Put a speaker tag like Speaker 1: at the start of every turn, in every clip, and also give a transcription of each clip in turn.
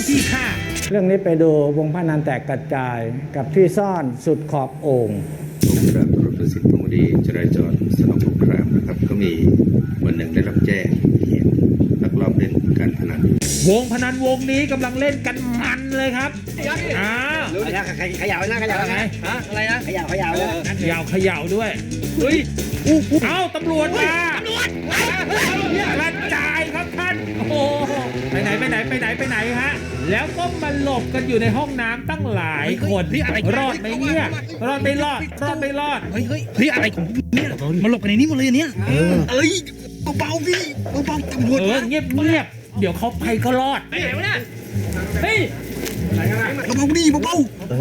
Speaker 1: ที่
Speaker 2: เรื่องนี้ไปดูวงพนันแตกกระจายกับที่ซ่อนสุดขอบโอ่ง
Speaker 3: กรมตำรวจประสิทธิ์พงศ์ดีจราจรสนองสงครามนะครับก็มีวันหนึ่งได้รับแจ้งเหตุลักลอบเล่นการพนัน
Speaker 1: 5วงพนันวงนี้กำลังเล่นกันมันเลยครับอ้าว
Speaker 4: ขยาวนะขยาวนะฮะอะไรนะขยาว
Speaker 1: เขย่าด้วยเฮ้ยเอ้าตำรวจมากระจายครับท่านโอ้โหไปไหนฮะแล้วก็มาหลบกันอยู่ในห้องน้ำตั้งหลายคนรอดไหมเนี่ยรอดไม่รอด
Speaker 4: เฮ้ยอะไรของเนี่ยมาหลบกันในนี้หมดเลยเนี่ยเอ้ยเบาๆพี่เบาๆตำรวจ
Speaker 1: เงียบเดี๋ยวเขาไปก็รอดเฮ้ย
Speaker 4: เบาๆดิเบา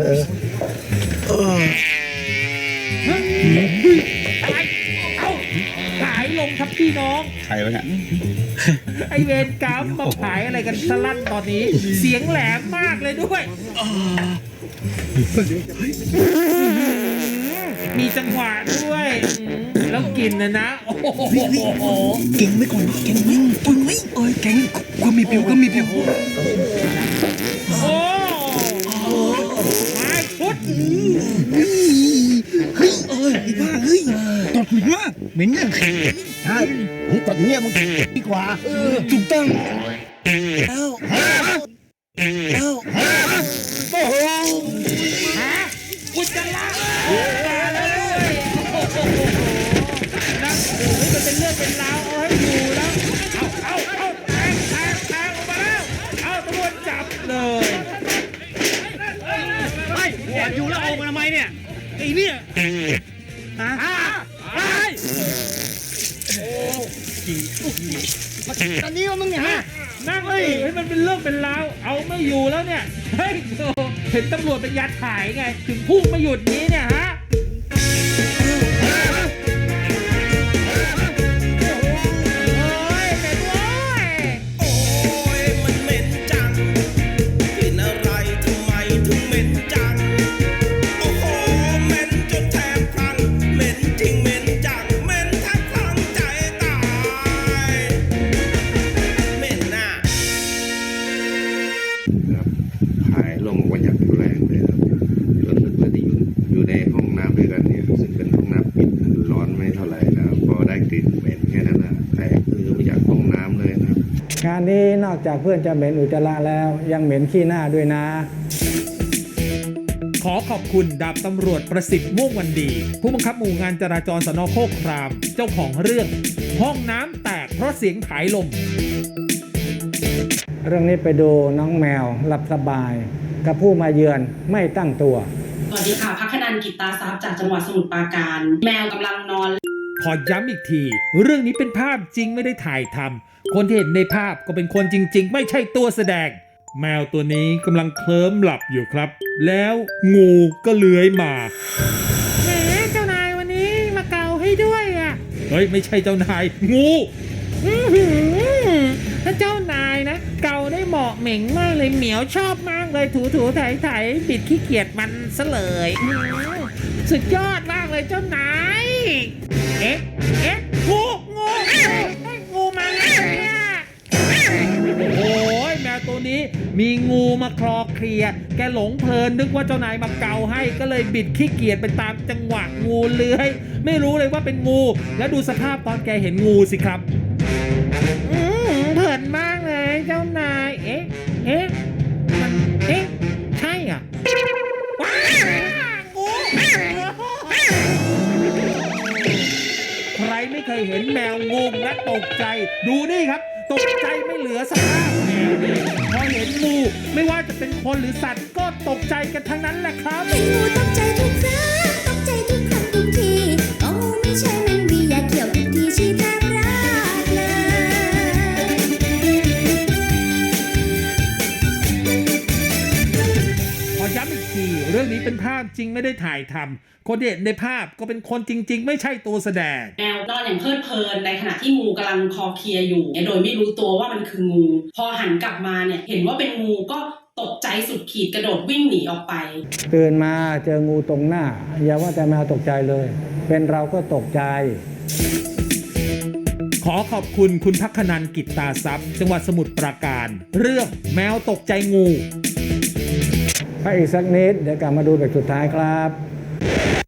Speaker 1: เอาขายลงครับพี่น้อง
Speaker 4: ใครวะเนี่ย
Speaker 1: ไอเวรกรรมมาขายอะไรกันสลั่นตอนนี้เสียงแหลมมากเลยด้วยมีจังหวะด้วยแล้วกินนะโอ้โห
Speaker 4: เก่งไม่ก่อนเก่งไหมเก่งก็มีผิว
Speaker 1: โอ้ไม่พุทธ
Speaker 4: เฮ้ยบ้าเฮ้ยตดเหม็นมากเหม็นอย่างใช่ตดเงี้ยมึงดีกว่าถูกต้องแล้ว
Speaker 1: โอ้โหกุจละมาแล้วด้วยนะมันเป็นเรื่องเป็นราวเอาให้ดูแล้วเอาแทงออกมาแล้วเอาตำรวจจับเลย
Speaker 4: ไม่แอบอยู่แล้วเอามาทำไมเนี่ยไอ้เนี่ยตอนนี้ว่ามึงเนี่ยฮะ
Speaker 1: นั่งเลยให้มันเป็นเรื่องเป็นราวเอาไม่อยู่แล้วเนี่ยเฮ้ยเห็นตำรวจเป็นยัดถ่ายไงถึงพุ่งไม่หยุดนี้เนี่ยฮะ
Speaker 3: หายลงวันอย่างแรงเลยครับจนเพื่อนที่อยู่ในห้องน้ำด้วยกันเนี่ยซึ่งเป็นห้องน้ำปิดร้อนไม่เท่าไหร่นะครับพอได้กลิ่นเหม็นแค่นั้นนะแต่คือมาจากห้องน้ำเลยนะครับ
Speaker 2: งานนี้นอกจากเพื่อนจะเหม็นอุจจาระแล้วยังเหม็นขี้หน้าด้วยนะ
Speaker 1: ขอขอบคุณดาบตำรวจประสิทธิ์ม่วงวันดีผู้บังคับหมู่งานจราจรสน.โคกครามเจ้าของเรื่องห้องน้ำแตกเพราะเสียงผายลม
Speaker 2: เรื่องนี้ไปดูน้องแมวหลับสบายกับผู้มาเยือนไม่ตั้งตัว
Speaker 5: สวัสดีค่ะพักนันท์กิตตาทรัพย์จากจังหวัดสมุทรปราการแมวกำลังนอน
Speaker 1: ขอย้ำอีกทีเรื่องนี้เป็นภาพจริงไม่ได้ถ่ายทำคนที่เห็นในภาพก็เป็นคนจริงๆไม่ใช่ตัวแสดงแมวตัวนี้กำลังเคลิ้มหลับอยู่ครับแล้วงูก็เลื้อยมาแหมเจ้านายวันนี้มาเกาให้ด้วยอ่ะเฮ้ยไม่ใช่เจ้านายงูถ้าเจ้านายนะเกาได้เหมาะเหม่งมากเลยเหมียวชอบมากเลยถูไถบิดขี้เกียจมันซะเลยสุดยอดมากเลยเจ้านายเอ๊ะงูมาแล้วเนี่ยโอ้ยแมวตัวนี้มีงูมาคลอเคลียแกหลงเพลินนึกว่าเจ้านายมาเกาให้ก็เลยบิดขี้เกียจไปตามจังหวะงูเลื้อยไม่รู้เลยว่าเป็นงูแล้วดูสภาพตอนแกเห็นงูสิครับเพลินมากเลยเจ้านายมันใช่อ่ะใครไม่เคยเห็นแมวงงและตกใจดูนี่ครับตกใจไม่เหลือสภาพแมวเลยพอเห็นงูไม่ว่าจะเป็นคนหรือสัตว์ก็ตกใจกันทั้งนั้นแหละครับ
Speaker 6: เห็นงูตกใจทุกครั้งตกใจทุกครั้งทุกทีก็งูไม่ใช่แมงวีอย่าเกี่ยวทุกทีชีแทบราดเลย
Speaker 1: ขอย้ำอีกทีเรื่องนี้เป็นภาพจริงไม่ได้ถ่ายทำคนเห็นในภาพก็เป็นคนจริงๆไม่ใช่ตัวแสดง
Speaker 5: แมวนอนอย่างเพลิดเพลินในขณะที่งูกำลังคอเคลียอยู่โดยไม่รู้ตัวว่ามันคืองูพอหันกลับมาเนี่ยเห็นว่าเป็นงูก็ตกใจสุดขีดกระโดดวิ่งหนีออกไป
Speaker 2: ตื่นมาเจองูตรงหน้าอย่าว่าแต่แมวตกใจเลยเป็นเราก็ตกใจ
Speaker 1: ขอขอขอบคุณคุณพักนันท์กิตตาทรัพย์จังหวัดสมุทรปราการ เรื่องแมวตกใจงู
Speaker 2: พักอีกสักนิดเดี๋ยวกลับมาดูแบบสุดท้ายครับ